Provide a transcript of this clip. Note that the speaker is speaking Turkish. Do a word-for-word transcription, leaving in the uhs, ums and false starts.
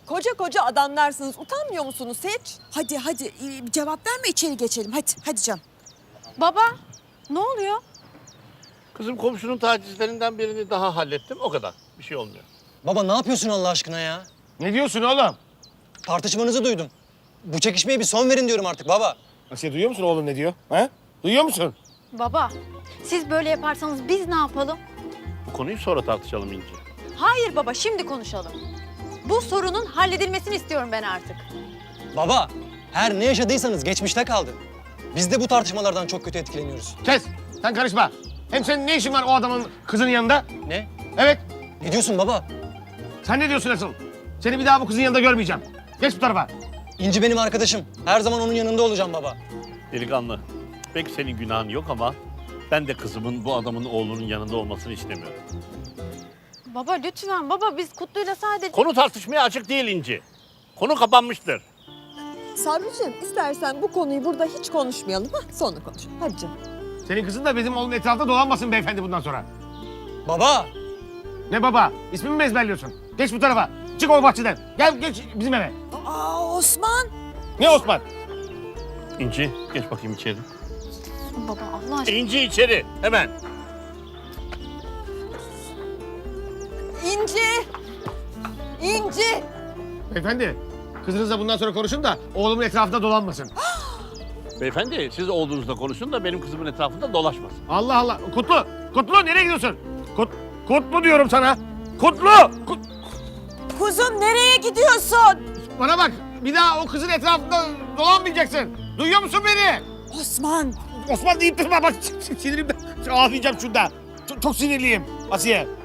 Koca koca adamlarsınız. Utanmıyor musunuz hiç? Hadi hadi ee, cevap verme, içeri geçelim. Hadi hadi canım. Baba, ne oluyor? Kızım komşunun tacizlerinden birini daha hallettim. O kadar. Bir şey olmuyor. Baba ne yapıyorsun Allah aşkına ya? Ne diyorsun oğlum? Tartışmanızı duydum. Bu çekişmeye bir son verin diyorum artık baba. Asiye duyuyor musun oğlum ne diyor? Ha? Duyuyor musun? Baba, siz böyle yaparsanız biz ne yapalım? Bu konuyu sonra tartışalım İnci. Hayır baba, şimdi konuşalım. Bu sorunun halledilmesini istiyorum ben artık. Baba, her ne yaşadıysanız geçmişte kaldı. Biz de bu tartışmalardan çok kötü etkileniyoruz. Kes. Sen karışma. Hem senin ne işin var o adamın kızının yanında? Ne? Evet. Ne diyorsun baba? Sen ne diyorsun asıl? Seni bir daha bu kızın yanında görmeyeceğim. Geç bu tarafa. İnci benim arkadaşım. Her zaman onun yanında olacağım baba. Delikanlı. Peki senin günahın yok ama ben de kızımın bu adamın oğlunun yanında olmasını istemiyorum. Baba lütfen, baba biz Kutlu'yla sadece... Konu tartışmaya açık değil İnci. Konu kapanmıştır. Sabriciğim istersen bu konuyu burada hiç konuşmayalım. Ha? Sonra konuşalım. Hadi canım. Senin kızın da bizim oğlunun etrafında dolanmasın beyefendi bundan sonra. Baba! Ne baba? İsmimi mi ezberliyorsun? Geç bu tarafa. Çık o bahçeden. Gel geç bizim eve. Aa Osman! Ne Osman? İnci geç bakayım içeri. Baba Allah aşkına. İnci içeri hemen. İnci! İnci! Beyefendi, kızınızla bundan sonra konuşun da oğlumun etrafında dolanmasın. Beyefendi siz oğlunuzla konuşun da benim kızımın etrafında dolaşmasın. Allah Allah. Kutlu, Kutlu nereye gidiyorsun? Kut, Kutlu diyorum sana. Kutlu! Kut, Kuzum nereye gidiyorsun? bana bak, bir daha o kızın etrafında dolanmayacaksın. Duyuyor musun beni? Osman! Osman deyip durma bak sinirimden ağlayacağım şurada. Çok, çok sinirliyim Asiye.